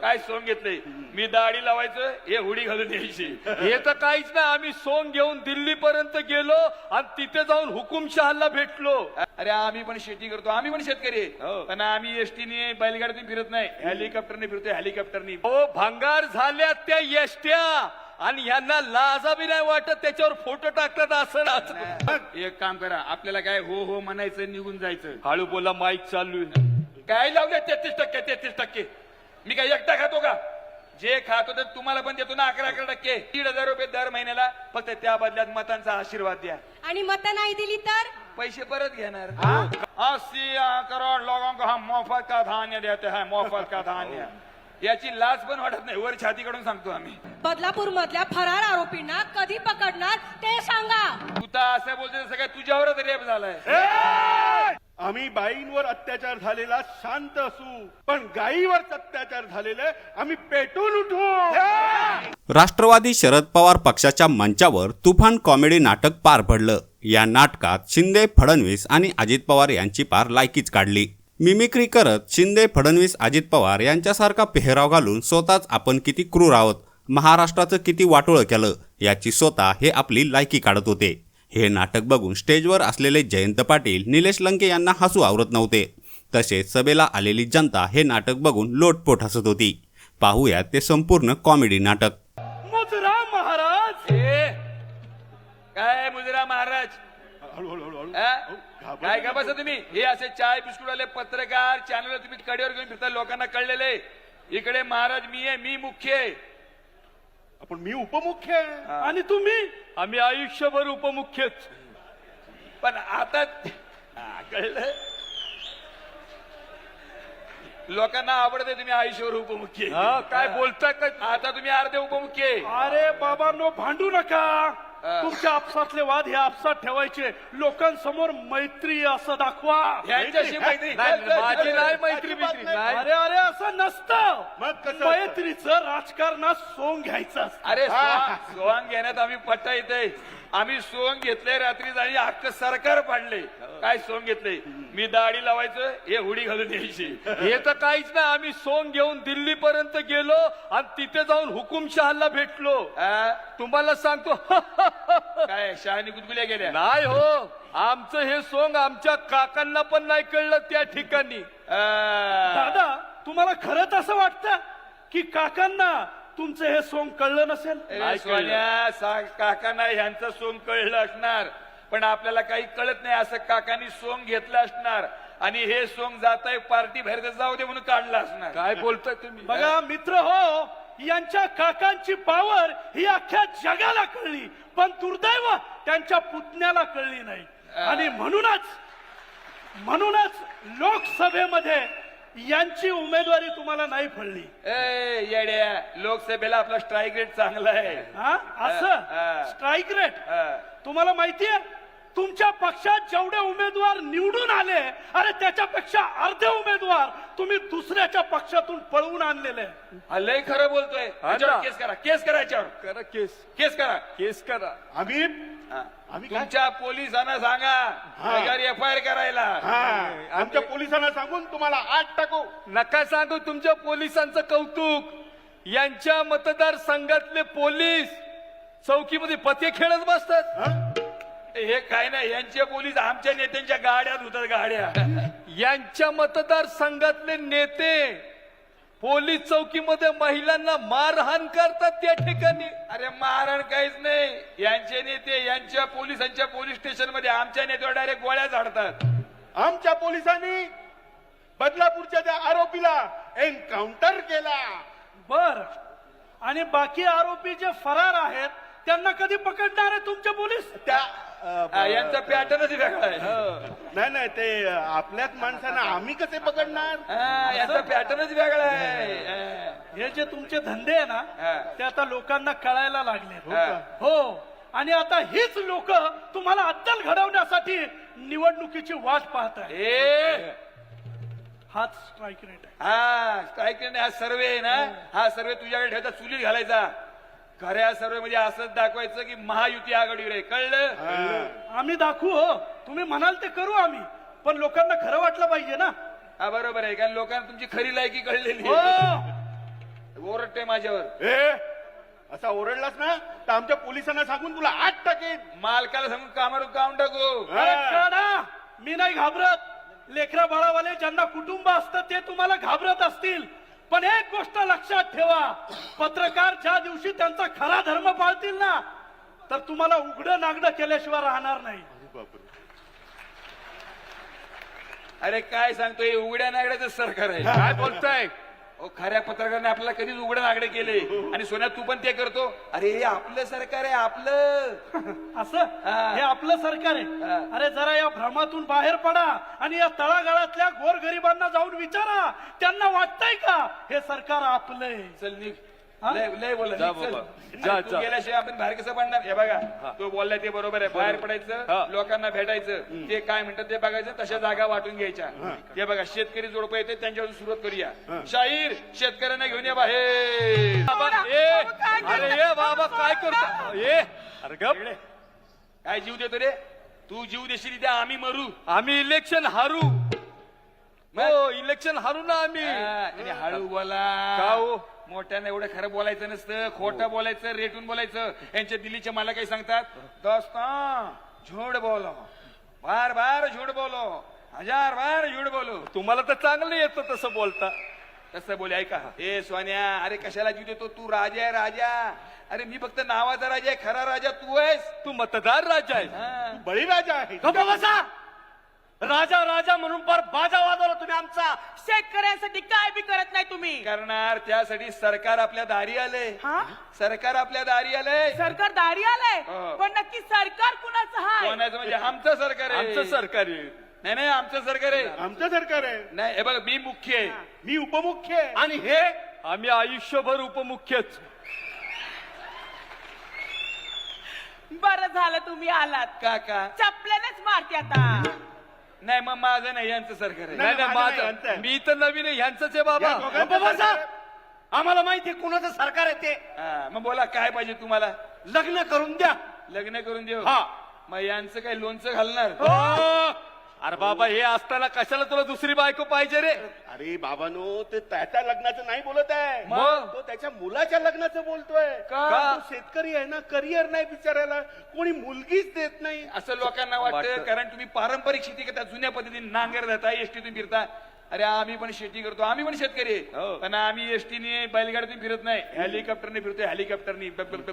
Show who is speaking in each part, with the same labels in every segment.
Speaker 1: काय सोंग घेतलंय? मी दाढी लावायचं, हे हुडी घालून यायची.
Speaker 2: हे तर काहीच नाही. आम्ही सोंग घेऊन दिल्ली पर्यंत गेलो आणि तिथे जाऊन हुकुमशहाला भेटलो.
Speaker 1: अरे आम्ही पण शेती करतो, आम्ही पण शेतकरी आहे. पण आम्ही एसटीने बैलगाडीतून फिरत नाही, हेलिकॉप्टरने फिरतोय, हेलिकॉप्टरनी.
Speaker 2: हो, भंगार झाल्या त्या एसट्या आणि यांना लाजा बी नाही वाटत त्याच्यावर फोटो टाकतात असं.
Speaker 1: एक काम करा, आपल्याला काय हो हो म्हणायचं, निघून जायचं.
Speaker 2: हळू बोला, माईक चालू आहे.
Speaker 1: काय लावले 33%? मी काय एकटा खातो का? जे खातो तर तुम्हाला पण देतो ना 11% 1,500 रुपये दर महिन्याला. फक्त त्या बदल्यात मतांचा आशीर्वाद द्या.
Speaker 3: आणि मतं नाही दिली तर
Speaker 1: पैसे परत घेणार. 80 करोड लोगों को हम मोफत का धान्य देते हैं, मोफत का धान्य. याची लाज पण वाटत नाही, वर छातीकडून सांगतो आम्ही.
Speaker 3: बदलापूर मधल्या फरार आरोपींना कधी पकडणार ते सांगा.
Speaker 1: तू तर असं बोलते सगळं तुझ्यावरच रेप झालाय.
Speaker 4: आम्ही बाईंवर अत्याचार झालेला शांत असू, पण गायीवर अत्याचार झालेले आम्ही पेटून उठू.
Speaker 5: राष्ट्रवादी शरद पवार पक्षाच्या मंचावर तुफान कॉमेडी नाटक पार पडलं. या नाटकात शिंदे, फडणवीस आणि अजित पवार यांची पार लायकीच काढली. मिमिक्री करत शिंदे, फडणवीस, अजित पवार यांच्यासारखा पेहराव घालून स्वतःच आपण किती क्रूर आहोत, महाराष्ट्राचं किती वाटोळं केलं याची स्वतः हे आपली लायकी काढत होते. हे नाटक बघून स्टेजवर असलेले जयंत पाटील, निलेश लंके यांना हसू आवरत नव्हते. तसेच सभेला आलेली जनता हे नाटक बघून लोटपोट हसत होती. पाहूयात ते संपूर्ण कॉमेडी नाटक.
Speaker 4: मुजरा महाराज.
Speaker 1: काय मुजरा महाराज? काय का बसा तुम्ही? हे असे चाय बिस्कुट वाले पत्रकार चॅनल तुम्ही कडेवर घेऊन फिरता, लोकांना कळलेले. इकडे महाराज मी आहे, मी मुख्य आहे.
Speaker 4: आपण मी उपमुख्य आहे आणि तुम्ही?
Speaker 2: आम्ही आयुष्यभर उपमुख्यच.
Speaker 1: पण आता कळलं, लोकांना आवडते तुम्ही आयुष्यावर उपमुख्य.
Speaker 2: काय बोलताय काय?
Speaker 1: आता तुम्ही अर्धे उपमुख्य आहे.
Speaker 4: अरे बाबांनो, भांडू नका. तुमच्या आपसातले वाद हे आपसात ठेवायचे, लोकांसमोर मैत्री असं दाखवा.
Speaker 1: यांच्याशी मैत्री
Speaker 2: माझी नाही मैत्री बित्री नाही.
Speaker 4: अरे अरे असं नसतं. मैत्रीचं राजकारणात सोंग घ्यायचं असतं.
Speaker 1: अरे सोंग घेण्यात आम्ही पट्टा येते. आम्ही सोंग घेतले रात्री आणि अख्खं सरकार पाडले. काय सोंग घेतले? मी दाढी लावायचं, हे हुडी घालून यायची.
Speaker 2: हे तर काहीच नाही. आम्ही सोंग घेऊन दिल्ली पर्यंत गेलो आणि तिथे जाऊन हुकुमशहाला भेटलो.
Speaker 1: तुम्हाला सांगतो काय शहाणी गुदगुल्या गेल्या
Speaker 2: नाही हो. आमचं हे सोंग आमच्या काकांना पण नाही कळलं त्या ठिकाणी.
Speaker 4: दादा, तुम्हाला खरंच असं वाटतं की काकांना तुमचं हे सोंग कळलं नसेल?
Speaker 1: काकांना ह्यांचं सोंग कळलं असणार, पण आपल्याला काही कळत नाही. असं काकांनी सोंग घेतलं असणार आणि हे सोंग जात आहे पार्टी बाहेर जाऊ दे म्हणून काढलं असणार.
Speaker 2: काय बोलताय तुम्ही?
Speaker 4: बघा मित्र हो, यांच्या काकांची पावर ही अख्ख्या जगाला कळली, पण दुर्दैव त्यांच्या पुतण्याला कळली नाही. आणि म्हणूनच लोकसभेमध्ये यांची उमेदवारी तुम्हाला नाही फळली.
Speaker 1: येड्या, लोकसभेला आपला स्ट्राईक रेट चांगला आहे.
Speaker 4: असं स्ट्राईक रेट तुम्हाला माहितीये? तुमच्या पक्षात जेवढे उमेदवार निवडून आले, अरे त्याच्यापेक्षा अर्धे उमेदवार तुम्ही दुसऱ्याच्या पक्षातून पळवून आणलेले.
Speaker 1: लय खरं बोलतोय. केस करा, केस करा याच्यावर.
Speaker 2: करा केस,
Speaker 1: केस करा,
Speaker 2: केस करा.
Speaker 4: आम्ही
Speaker 1: तुमच्या पोलिसांना सांगा FIR करायला.
Speaker 4: आमच्या पोलिसांना सांगून तुम्हाला 8 टाकू.
Speaker 2: नका सांगू तुमच्या पोलिसांचं कौतुक. यांच्या मतदारसंघातले पोलीस चौकीमध्ये पते खेळत बसतात.
Speaker 1: हे काय नाही, यांचे पोलीस आमच्या नेत्यांच्या गाड्यात होतात, गाड्या.
Speaker 2: यांच्या मतदारसंघातले नेते पोलीस चौकीमध्ये महिलांना मारहाण करतात त्या ठिकाणी.
Speaker 1: अरे मारण काहीच नाही. यांचे नेते यांच्या पोलिसांच्या पोलीस स्टेशन मध्ये आमच्या नेत्यावर डायरेक्ट गोळ्या झाडतात.
Speaker 4: आमच्या पोलिसांनी बदलापूरच्या त्या आरोपीला एन्काउंटर केला. बर, आणि बाकी आरोपी जे फरार आहेत त्यांना कधी पकडणार आहे तुमचे पोलीस?
Speaker 1: यांचा पॅटर्नच वेगळा आहे.
Speaker 4: नाही, ते आपल्याच माणसांना आम्ही कसे पकडणार?
Speaker 1: यांचा पॅटर्नच वेगळा आहे.
Speaker 4: हे जे तुमचे धंदे आहे ना, ते आता लोकांना कळायला लागले. हो, आणि आता हीच लोक तुम्हाला अद्दल घडवण्यासाठी निवडणुकीची वाट पाहतात. हाच स्ट्राईक रेट आहे.
Speaker 1: स्ट्राईक रेट हा सर्वे आहे ना, हा सर्वे तुझ्याकडे ठेवता, चुलीत घालायचा. खऱ्या सर्वे म्हणजे असंच दाखवायचं की महायुती आघाडीवर आहे. कळलं?
Speaker 4: आम्ही दाखवू. हो, तुम्ही म्हणाल ते करू आम्ही, पण लोकांना खरं वाटलं पाहिजे ना.
Speaker 1: हा बरोबर आहे, कारण लोकांना तुमची खरी लायकी कळलेली
Speaker 4: हो.
Speaker 1: आहे. वाटतोय माझ्यावर.
Speaker 4: ए असा ओरडलास ना तर आमच्या पोलिसांना सांगून तुला 8 टाकेन.
Speaker 1: मालकाला सांगून कामावर काढून टाकू.
Speaker 4: अरे काढा. मी नाही घाबरत. लेकरा बाळावाले ज्यांना कुटुंब असतं ते तुम्हाला घाबरत असतील, पण एक गोष्ट लक्षात ठेवा, पत्रकार ज्या दिवशी त्यांचा खरा धर्म पाळतील ना तर तुम्हाला उघडं नागडं केल्याशिवाय राहणार नाही.
Speaker 1: अरे काय सांगतोय, उघड्या नागड्याचं सरकार आहे.
Speaker 2: काय बोलताय?
Speaker 1: खऱ्या पत्रकाराने आपल्याला कधीच उघड्या नागडे केले आणि सोन्या तू पण ते करतो. अरे हे आपलं सरकार आहे, आपलं.
Speaker 4: असं
Speaker 1: हा.
Speaker 4: हे आपलं सरकार आहे. अरे जरा या भ्रमातून बाहेर पडा आणि या तळागाळातल्या गोरगरिबांना जाऊन विचारा, त्यांना वाटतंय का हे सरकार आपलं आहे.
Speaker 1: चल निघ.
Speaker 4: हा?
Speaker 1: लय बोल.
Speaker 2: जा बाबा. जा,
Speaker 1: तू
Speaker 2: जा.
Speaker 1: गेल्याशिवाय आपण बाहेर कसं पडणार. हे बघा तो बोललाय ते बरोबर आहे. बाहेर पडायचं,
Speaker 2: हा.
Speaker 1: लोकांना भेटायचं, ते काय म्हणतात ते बघायचं, तशा जागा वाटून घ्यायच्या. ते बघा शेतकरी जोडपं येते त्यांच्यावर सुरुवात करूया. शाहीर शेतकऱ्यांना घेऊन या बाहेर.
Speaker 2: बाबा, अरे ये बाबा काय करतो? ये अरे गप.
Speaker 1: काय जीव देतो रे तू? जीव देशील द्या, आम्ही मरू.
Speaker 2: आम्ही इलेक्शन हारू. हो इलेक्शन हारू ना आम्ही.
Speaker 1: आणि हळू बोला.
Speaker 2: का हो?
Speaker 1: मोठ्यानं एवढं खरं बोलायचं नसतं, खोटं बोलायचं, रेटून बोलायचं. यांच्या दिल्लीचे मला काही सांगतात, दोस्ता झूठ बोलो, बार बार झूठ बोलो, 1000 बार झूठ बोलो.
Speaker 2: तुम्हाला तर चांगलं येतं तसं बोलता.
Speaker 1: तसं बोले. ऐका ए सोन्या, अरे कशाला जीव देतो तू? राजा आहे राजा. अरे मी फक्त नावाचा राजा आहे, खरा राजा तू आहेस.
Speaker 2: तू मतदार राजा आहे.
Speaker 1: हा.
Speaker 4: बळीराजा आहे.
Speaker 6: बसा. राजा राजा म्हणून पर बाजा वाजवला तुम्ही आमचा. शेतकऱ्यांसाठी काय बी करत नाही तुम्ही.
Speaker 1: करणार त्यासाठी सरकार आपल्या दारी आलंय.
Speaker 6: हा?
Speaker 1: सरकार आपल्या दारी आलंय.
Speaker 6: सरकार दारी आलंय,
Speaker 1: हो.
Speaker 6: पण नक्की सरकार कुणाचं आहे?
Speaker 1: कोणाचं म्हणजे आमचं सरकार आहे.
Speaker 2: आमचं सरकार आहे.
Speaker 1: नाही नाही आमचं सरकार आहे.
Speaker 4: आमचं सरकार आहे.
Speaker 1: नाही हे बघ मी मुख्य आहे.
Speaker 4: मी उपमुख्य आहे.
Speaker 6: आणि हे
Speaker 2: आम्ही आयुष्यभर उपमुख्यच.
Speaker 6: बरं झालं तुम्ही आलात.
Speaker 1: काका
Speaker 6: चपल्यानेच मारते आता.
Speaker 1: नाही मग माझं नाही, यांचं सरकार आहे.
Speaker 2: नाही नाही
Speaker 4: माझं नाही, यांचं
Speaker 2: माझं
Speaker 4: आहे.
Speaker 2: मी तर नवीन आहे, ह्यांचंच आहे बाबा.
Speaker 4: या दोघांचं
Speaker 6: बसा.
Speaker 4: सरकार आहे.
Speaker 6: आम्हाला माहिती कुणाचं सरकार आहे ते.
Speaker 1: हा, मग बोला काय पाहिजे तुम्हाला?
Speaker 6: लग्न करून द्या.
Speaker 1: लग्न करून देऊ.
Speaker 6: हा.
Speaker 1: मग यांचं काही लोणचं घालणार?
Speaker 2: हो. अरे बाबा हे असताना कशाला तुला दुसरी बायको पाहिजे रे?
Speaker 4: अरे बाबानो, ते त्याच्या लग्नाचं नाही बोलत आहे,
Speaker 2: मग?
Speaker 4: तो त्याच्या मुलाच्या लग्नाचं बोलतोय.
Speaker 1: का?
Speaker 4: तो शेतकरी आहे ना, करिअर नाही बिचारायला, कोणी मुलगीच देत नाही.
Speaker 1: असं लोकांना वाटतं.
Speaker 2: वाटतं.
Speaker 1: कारण तुम्ही पारंपरिक शेती करता, जुन्या पद्धतीने नांगर जाता, एसटीतून फिरता. अरे आम्ही पण शेती करतो, आम्ही पण शेतकरी आहे.
Speaker 2: हो.
Speaker 1: पण आम्ही एसटीने बैलगाडीतून फिरत नाही, हेलिकॉप्टरने फिरतोय. हेलिकॉप्टरने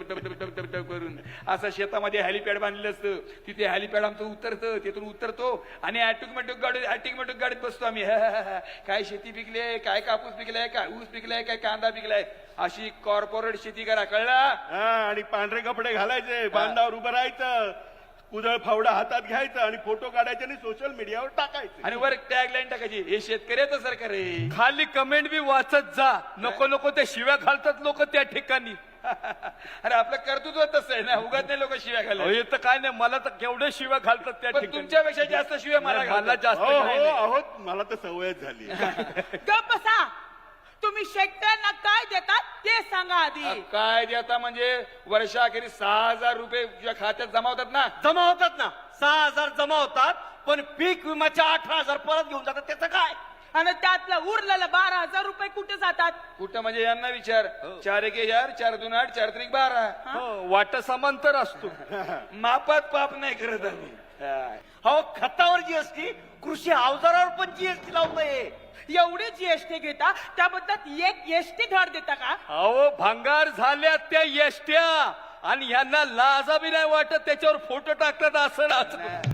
Speaker 1: करून असं शेतामध्ये हेलिपॅड बांधलेलं असतं. तिथे हेलिपॅड आमचं उतरतं, तिथून उतरतो आणि ऑटोमॅटिक गाडीत बसतो आम्ही. काय शेती पिकले, काय कापूस पिकलाय, काय ऊस पिकलाय, काय कांदा पिकलाय. अशी कॉर्पोरेट शेती करा, कळला?
Speaker 4: हा, आणि पांढरे कपडे घालायचे, बांधावर उभं राहायचं, कुदळ फावडा हातात घ्यायचं आणि फोटो काढायचे आणि सोशल मीडियावर टाकायचे.
Speaker 1: आणि वर टॅगलाईन टाकायची, हे शेतकऱ्याचं सरकार आहे.
Speaker 2: खाली कमेंट बी वाचत जा. नको नको ते शिव्या घालतात लोक त्या ठिकाणी.
Speaker 1: अरे आपलं कर्तृत्व तसं आहे ना, उगाच नाही लोक शिव्या
Speaker 2: अहो,
Speaker 1: घालत.
Speaker 2: हे तर काय नाही, मला तर केवढे शिव्या घालतात त्या
Speaker 1: पण
Speaker 2: ठिकाणी.
Speaker 1: तुमच्यापेक्षा जास्त शिव्या मला
Speaker 2: नाही, मला
Speaker 1: घालतात.
Speaker 2: जास्त
Speaker 4: हो
Speaker 2: नाही,
Speaker 4: हो
Speaker 2: नाही.
Speaker 4: आहोत, मला तर सवयच झाली.
Speaker 6: गप बसा. तुम्ही शेतकऱ्यांना काय देतात ते सांगा आधी.
Speaker 1: काय देता म्हणजे वर्षाखेरी 6000 रुपये तुझ्या खात्यात जमा होतात ना.
Speaker 6: जमा होतात ना, 6000 जमा होतात, पण पीक विम्याच्या 18,000 परत घेऊन जातात. त्याचं काय? आणि त्यातलं उरलेलं 12,000 रुपये कुठे जातात?
Speaker 1: कुठं म्हणजे यांना विचार. 4 1 4 4 2 8 4 3 12.
Speaker 2: हो, वाटा समांतर असतो.
Speaker 1: मापात पाप नाही करत आम्ही.
Speaker 6: हो, खतावर जीएसटी, कृषी अवजारावर पण जीएसटी लावतोय. एवढी जीएसटी घेता, त्याबद्दल एक एसटी धड देता का?
Speaker 2: अहो भंगार झाल्या त्या एसट्या आणि ह्यांना लाजा बी नाही वाटत त्याच्यावर फोटो टाकतात. असं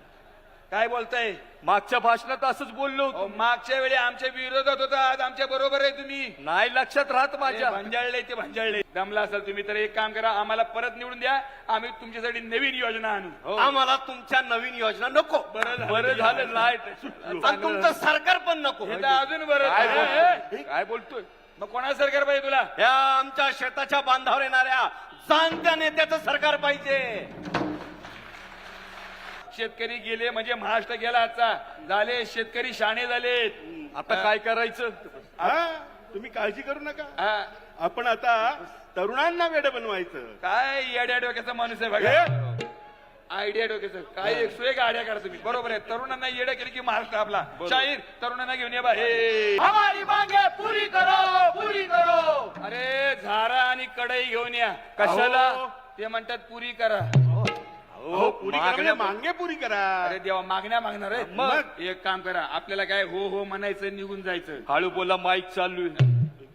Speaker 1: काय बोलताय?
Speaker 2: मागच्या भाषणात असंच बोललो होतो.
Speaker 1: अहो, मागच्या वेळी आमच्या विरोधात होता, आज आमच्या बरोबर आहे तुम्ही.
Speaker 2: नाही लक्षात राहत माझ्या.
Speaker 1: भांजाळले ते भांजाळले. दमला असेल तुम्ही तर एक काम करा, आम्हाला परत निवडून द्या, आम्ही तुमच्यासाठी नवीन योजना आणू.
Speaker 2: हो.
Speaker 6: आम्हाला तुमच्या नवीन योजना नको.
Speaker 2: बरं झालं नाही.
Speaker 6: आणि तुमचं सरकार पण नको.
Speaker 1: हे तर अजून बरं.
Speaker 2: काय
Speaker 1: हे,
Speaker 2: बोलतोय? काय बोलतोय?
Speaker 1: मग कोणाचं सरकार पाहिजे तुला?
Speaker 6: या आमच्या शेताच्या बांधावर येणाऱ्या जाणत्या नेत्याचं सरकार पाहिजे.
Speaker 1: शेतकरी गेले म्हणजे महाराष्ट्र गेला आजचा. झाले शेतकरी शाणे झालेत.
Speaker 2: आता काय करायचं?
Speaker 4: हा, तुम्ही काळजी करू नका.
Speaker 1: हा,
Speaker 4: आपण आता तरुणांना वेड बनवायचं.
Speaker 1: काय येड्या डोक्याचा माणूस आहे बघा. आयडिया डोक्याचं काय एक आयडिया काढा तुम्ही. बरोबर आहे, तरुणांना येड्या केली की महाराष्ट्र आपला. शाहीर तरुणांना घेऊन ये बा. हे
Speaker 6: हमारी मांगे पुरी करो, पुरी करो.
Speaker 1: अरे आणि कढई घेऊन या.
Speaker 2: कशाला?
Speaker 4: अहो.
Speaker 1: ते म्हणतात पुरी करा.
Speaker 4: हो पुरी करा म्हणजे मागे पुरी करा.
Speaker 1: अरे देवा, मागण्या मागणार आहे.
Speaker 4: मग?
Speaker 1: एक काम करा, आपल्याला काय हो हो म्हणायचं, निघून जायचं.
Speaker 2: हळू बोला, माईक चालू आहे.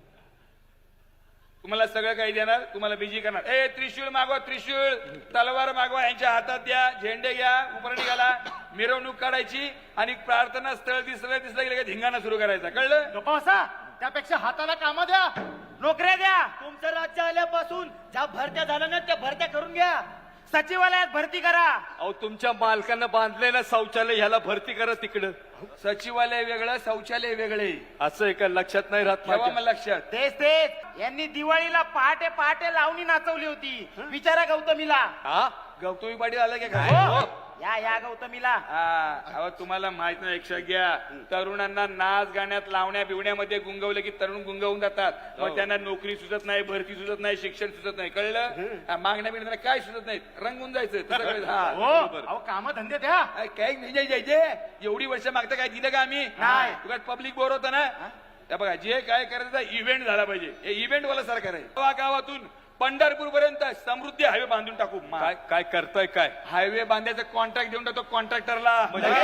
Speaker 1: तुम्हाला सगळं काही देणार, तुम्हाला बिजी करणार. ए त्रिशूळ मागवा, त्रिशूळ, तलवार मागवा, यांच्या हातात द्या, झेंडे घ्या, उपरणी घाला, मिरवणूक काढायची आणि प्रार्थना स्थळ दिसलं गेलं की धिंगाणा सुरू करायचा. कळलं?
Speaker 6: गप्पा, त्यापेक्षा हाताला कामं द्या, नोकऱ्या द्या. तुमचं राज्य आल्यापासून ज्या भरत्या झाल्या ना त्या भरत्या करून घ्या. सचिवालयात भरती करा.
Speaker 2: अहो तुमच्या मालकानं बांधलंय ना शौचालय, ह्याला भरती करा तिकडं.
Speaker 1: सचिवालय वेगळं, शौचालय वेगळे.
Speaker 2: असं आहे का? लक्षात नाही राहत
Speaker 1: ठेवा
Speaker 2: माझ्या.
Speaker 1: मग लक्षात.
Speaker 6: तेच यांनी दिवाळीला पहाटे पहाटे लावणी नाचवली होती. विचारा गौतमीला.
Speaker 2: हा?
Speaker 1: गौतमी पाटील आला की काय?
Speaker 6: हो. या गौतमीला.
Speaker 1: अहो तुम्हाला माहित नाही, लक्षात घ्या. तरुणांना नाच गाण्यात, लावण्या बिवण्यामध्ये गुंगवलं की तरुण गुंगवून जातात. मग त्यांना नोकरी सुचत नाही, भरती सुचत नाही, शिक्षण सुचत नाही. कळलं? मागण्या बिगण्या काय सुचत नाही, रंगून जायचं. तसं कळलं? हा, बरोबर.
Speaker 6: अहो काम धंदे द्या.
Speaker 1: अरे, काय नाही जायचे. एवढी वर्ष मागता काय दिलं का आम्ही?
Speaker 6: नाही.
Speaker 1: तुला पब्लिक बोर होतं ना. त्या बघा, जे काय करायचं इव्हेंट झाला पाहिजे. हे इव्हेंट वाला सरकार आहे. गावागावातून पंढरपूर पर्यंत समृद्धी हायवे बांधून टाकू.
Speaker 2: काय काय करताय काय?
Speaker 1: हायवे बांधायचं कॉन्ट्रॅक्ट देऊन टाकतो कॉन्ट्रॅक्टरला.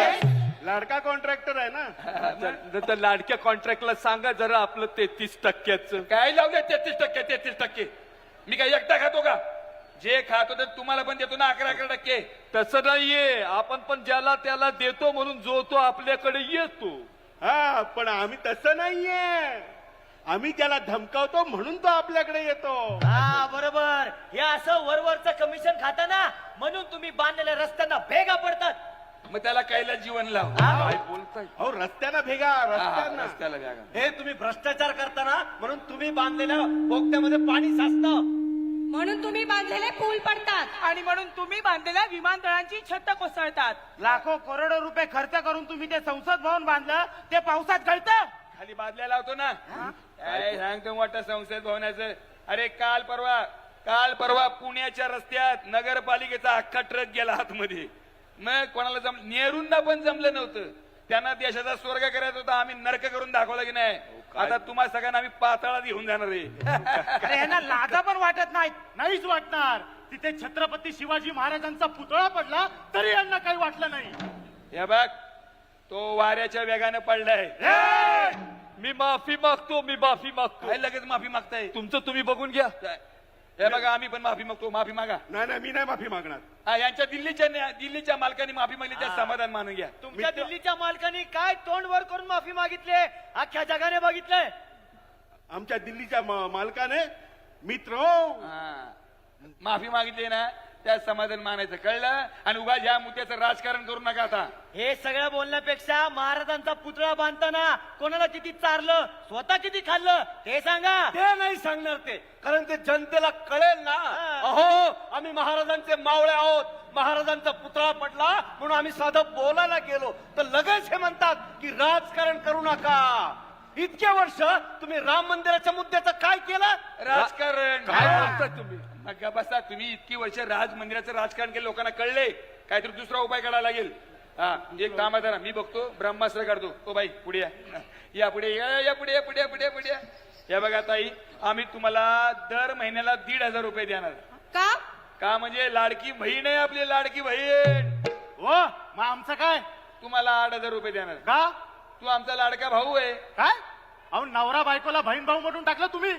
Speaker 4: लाडका कॉन्ट्रॅक्टर आहे ना.
Speaker 2: तर लाडक्या कॉन्ट्रॅक्टला सांगा जरा आपलं 33%.
Speaker 1: काय लावलं 33%? मी काय एकटा खातो का? जे खातो ते तुम्हाला पण देतो ना 11%.
Speaker 2: तसं नाहीये, आपण पण ज्याला त्याला देतो म्हणून जो तो आपल्याकडे येतो.
Speaker 4: हा पण आम्ही तसं नाहीये. आम्ही त्याला धमकावतो म्हणून तो आपल्याकडे येतो.
Speaker 6: हा बरोबर. हे असं वरवरचं कमिशन खाता ना, म्हणून तुम्ही बांधलेल्या रस्त्यांना भेगा पडतात.
Speaker 1: मग त्याला कायला जीवन लाव.
Speaker 2: काय बोलताय?
Speaker 4: अहो रस्त्याला भेगा, रस्त्यांना.
Speaker 1: रस्त्याला बॅगा.
Speaker 6: हे तुम्ही भ्रष्टाचार करताना म्हणून तुम्ही बांधलेल्या बोगद्यामध्ये पाणी साचतं.
Speaker 3: म्हणून तुम्ही बांधलेले पूल पडतात.
Speaker 7: आणि म्हणून तुम्ही बांधलेल्या विमानतळांची छत कोसळतात.
Speaker 6: लाखो करोडो रुपये खर्च करून तुम्ही ते संसद भवन बांधलं, ते पावसात गळतं.
Speaker 1: खाली बादल्या लावतो ना. काय सांगतो मोठं संसद भवनाचं. अरे काल परवा पुण्याच्या रस्त्यात नगरपालिकेचा अख्खा ट्रक गेला आतमध्ये. मग कोणाला नेहरूंना पण जमलं नव्हतं. त्यांना देशाचा स्वर्ग करायचा होता, आम्ही नरक करून दाखवला की नाही. आता तुम्हाला सगळ्यांना आम्ही पाताळात घेऊन जाणार आहे.
Speaker 6: अरे यांना लाजा पण वाटत नाही. नाहीच वाटणार. तिथे छत्रपती शिवाजी महाराजांचा पुतळा पडला तरी यांना काही वाटलं नाही.
Speaker 1: हे बघ, तो वाऱ्याच्या वेगाने पडलाय.
Speaker 2: मी माफी मागतो.
Speaker 1: काय लगेच माफी मागताय?
Speaker 2: तुमचं तुम्ही बघून घ्या.
Speaker 1: हे बघा, आम्ही पण माफी मागतो. माफी मागा.
Speaker 4: नाही मी नाही माफी मागणार.
Speaker 1: हा, यांच्या दिल्लीच्या मालकाने माफी मागली, त्या समाधान मानून घ्या.
Speaker 6: तुमच्या दिल्लीच्या मालकांनी काय तोंड वर करून माफी मागितली अख्ख्या जगाने बघितलंय.
Speaker 4: आमच्या दिल्लीच्या मालकाने मित्र
Speaker 1: हा. माफी मागितली ना, त्या समाधान मानायचं. कळलं? आणि उगा ज्या मुद्द्याचं राजकारण करू नका आता.
Speaker 6: हे सगळं बोलण्यापेक्षा महाराजांचा पुतळा बांधताना कोणाला किती चारलं, स्वतः किती खाल्लं ते सांगा.
Speaker 2: ते नाही सांगणार ते, कारण ते जनतेला कळेल ना. अहो, आम्ही महाराजांचे मावळे आहोत. महाराजांचा पुतळा पडला म्हणून आम्ही साधं बोलायला गेलो तर लगेच हे म्हणतात की राजकारण करू नका. इतके वर्ष तुम्ही राम मंदिराच्या मुद्द्याचं काय केलं?
Speaker 1: राजकारण
Speaker 2: काय बोलताय तुम्ही?
Speaker 1: मग बसा, तुम्ही इतकी वर्ष राज मंदिराचं राजकारण केलं, लोकांना कळले. काहीतरी दुसरा उपाय काढायला लागेल. हा, एक काम आहे ना, मी बघतो ब्रह्मास्त्र काढतो. ओ बाई पुढे या पुढे या पुढे. या बघा ताई, आम्ही तुम्हाला दर महिन्याला 1,500 रुपये देणार. का म्हणजे लाडकी बहीण आहे आपली, लाडकी बहीण.
Speaker 6: हो मग आमचं काय?
Speaker 1: तुम्हाला 8,000 रुपये देणार.
Speaker 6: का?
Speaker 1: तू आमचा लाडका भाऊ आहे.
Speaker 6: काय? अहो नवरा बायकोला बहीण भाऊ म्हणून टाकलं तुम्ही.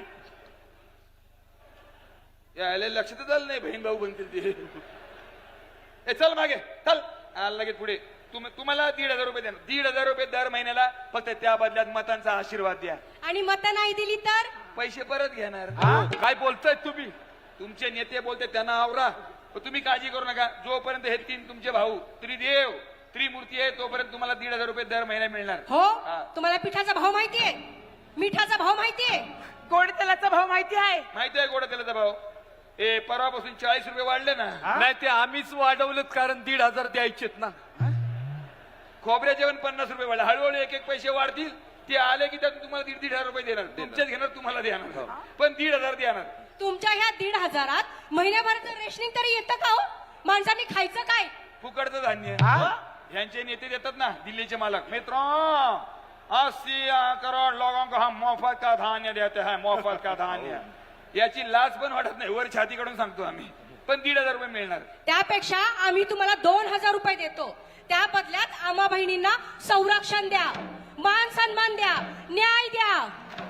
Speaker 1: यायला लक्षातच आलं नाही बहीण भाऊ बनतील ते. ए चल मागे चल. लगेच पुढे. तुम्हाला 1,500 रुपये देणार. 1,500 रुपये दर महिन्याला. फक्त त्या बदल्यात मतांचा आशीर्वाद द्या.
Speaker 3: आणि मतं नाही दिली तर
Speaker 1: पैसे परत घेणार.
Speaker 2: काय बोलताय तुम्ही?
Speaker 1: तुमचे नेते बोलते त्यांना आवरा. पण तुम्ही काळजी करू नका. जोपर्यंत हे 3 तुमचे भाऊ त्रिदेव त्रिमूर्ती आहे तोपर्यंत तुम्हाला 1,500 रुपये दर महिना मिळणार.
Speaker 3: हो. तुम्हाला पिठाचा भाव माहितीये, मिठाचा भाव माहितीये,
Speaker 7: गोड तेलाचा भाव माहिती आहे?
Speaker 1: माहिती आहे गोड तेलाचा भाव. ए परवापासून 40 रुपये वाढले ना.
Speaker 2: नाही ते आम्हीच वाढवलेत, कारण 1,500 द्यायचेत ना.
Speaker 1: खोबऱ्याचे पण 50 रुपये वाढले. हळूहळू एक पैसे वाढतील. ते आले की त्यातून तुम्हाला 1,500 रुपये देणार. तुमच्याच घेणार, तुम्हाला देणार, पण 1,500 देणार.
Speaker 3: तुमच्या ह्या 1,500त महिन्याभराचं रेशनिंग तरी येतं का हो? माणसांनी खायचं काय?
Speaker 1: फुकटचं धान्य. यांचे नेते देतात ना दिल्लीचे मालक. मित्रों 80 करोड़ लोगों को हम मुफ्त का धान्य देते हैं. मुफ्त का धान्य. याची लाज पण वाटत नाही, वर छाती काढून सांगतो आम्ही. पण 1,500 रुपये मिळणार.
Speaker 3: त्यापेक्षा आम्ही तुम्हाला 2,000 रुपये देतो. त्या बदल्यात आम्हा बहिणींना संरक्षण द्या, मान सन्मान द्या, न्याय द्या.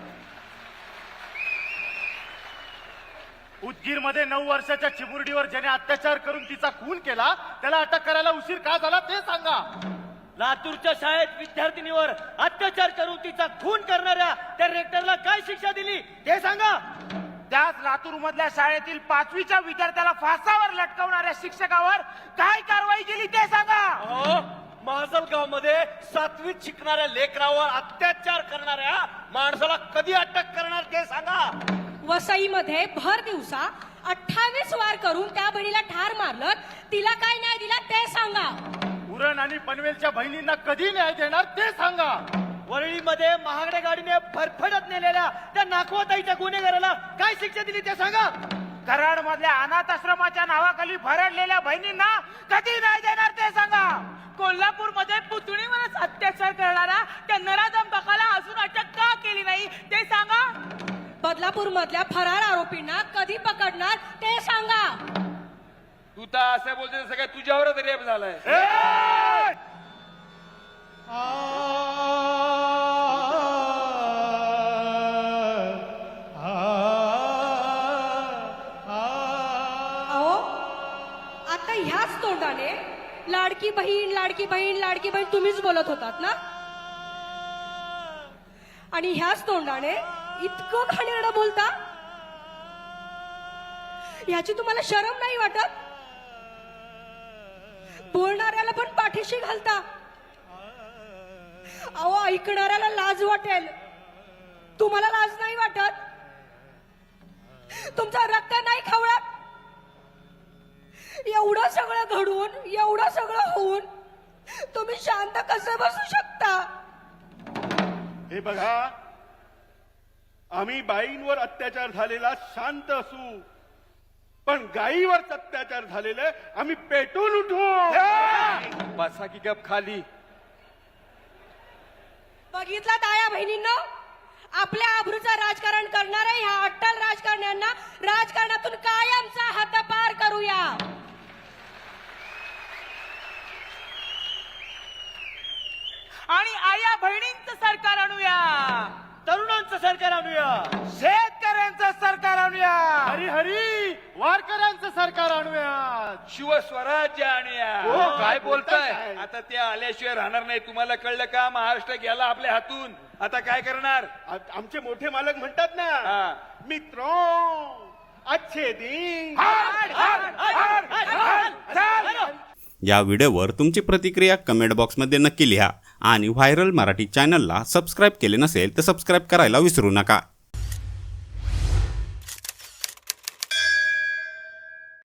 Speaker 2: उदगीरमध्ये 9 वर्षाच्या चिमुरडीवर ज्याने अत्याचार करून तिचा खून केला त्याला अटक करायला उशीर का झाला ते सांगा. लातूरच्या शाळेत विद्यार्थिनीवर अत्याचार करून तिचा खून करणाऱ्या त्या रेक्टरला काय शिक्षा दिली ते सांगा.
Speaker 6: त्याच लातूर मधल्या शाळेतील 5वीच्या विद्यार्थ्याला फासावर लटकवणाऱ्या शिक्षकावर काय कारवाई केली ते सांगा.
Speaker 2: माजलगाव मध्ये 7वीत शिकणाऱ्या लेकरावर अत्याचार करणाऱ्या माणसाला कधी अटक करणार ते सांगा.
Speaker 3: वसईमध्ये भर दिवसा 28 वार करून त्या बहिणीला ठार मारलं, तिला काय न्याय दिला ते सांगा.
Speaker 2: उरण आणि पनवेलच्या बहिणींना कधी न्याय देणार ते सांगा. वरळीमध्ये महागड्या गाडीने फरफडत नेलेल्या त्या नाखवाताईच्या गुन्हेगाराला काय शिक्षा दिली ते सांगा.
Speaker 6: कराड मधल्या अनाथ आश्रमाच्या नावाखाली भरडलेल्या बहिणींना कधी न्याय देणार ते सांगा. कोल्हापूरमध्ये पुतणीवरच अत्याचार करणारा त्या नराधम बकाला अजून अटक का केली नाही ते सांगा.
Speaker 3: बदलापूर मधल्या फरार आरोपींना कधी पकडणार ते सांगा.
Speaker 1: तू तर असं बोलते सगळ्या तुझ्यावरच रेप झालाय.
Speaker 3: अहो, आता ह्याच तोंडाने लाडकी बहीण लाडकी बहीण लाडकी बहीण तुम्हीच बोलत होतात ना, आणि ह्याच तोंडाने इतकं घाणेरडं बोलता. याची तुम्हाला शरम नाही वाटत? बोलणाऱ्याला पण पाठीशी घालता. अहो, ऐकणाऱ्याला लाज वाटेल, तुम्हाला लाज नाही वाटत? तुमचं रक्त नाही खवळत? एवढं सगळं घडून एवढं सगळं होऊन तुम्ही शांत कसं बसू शकता?
Speaker 4: हे बघा, आम्ही बाईंवर अत्याचार झालेला शांत असू, पण गायीवर अत्याचार झालेले आम्ही पेटून उठू.
Speaker 1: बसा की गप खाली.
Speaker 3: बघितला ताया बहिणींनो, आपल्या आबरूचं राजकारण करणाऱ्या ह्या अट्टल राजकारण्यांना राजकारणातून कायमचा हद्दपार करूया.
Speaker 7: आणि आया बहिणींचं सरकार आणूया,
Speaker 2: तरुणांचं सरकार आणूया,
Speaker 6: शेतकऱ्यांचं सरकार आणूया,
Speaker 2: हरी हरी वारकऱ्यांचं सरकार आणूया,
Speaker 1: शिवस्वराज्य आणूया.
Speaker 4: हो,
Speaker 1: काय बोलताय?
Speaker 4: काय?
Speaker 1: आता ते आल्याशिवाय राहणार नाही. तुम्हाला कळलं का? महाराष्ट्र गेला आपल्या हातून. आता काय करणार?
Speaker 4: आमचे मोठे मालक म्हणतात ना,
Speaker 1: हा.
Speaker 4: मित्रों अच्छे दिन.
Speaker 5: या व्हिडिओवर तुमची प्रतिक्रिया कमेंट बॉक्समध्ये नक्की लिहा आणि व्हायरल मराठी चॅनलला सबस्क्राईब केले नसेल तर सबस्क्राईब करायला विसरू नका.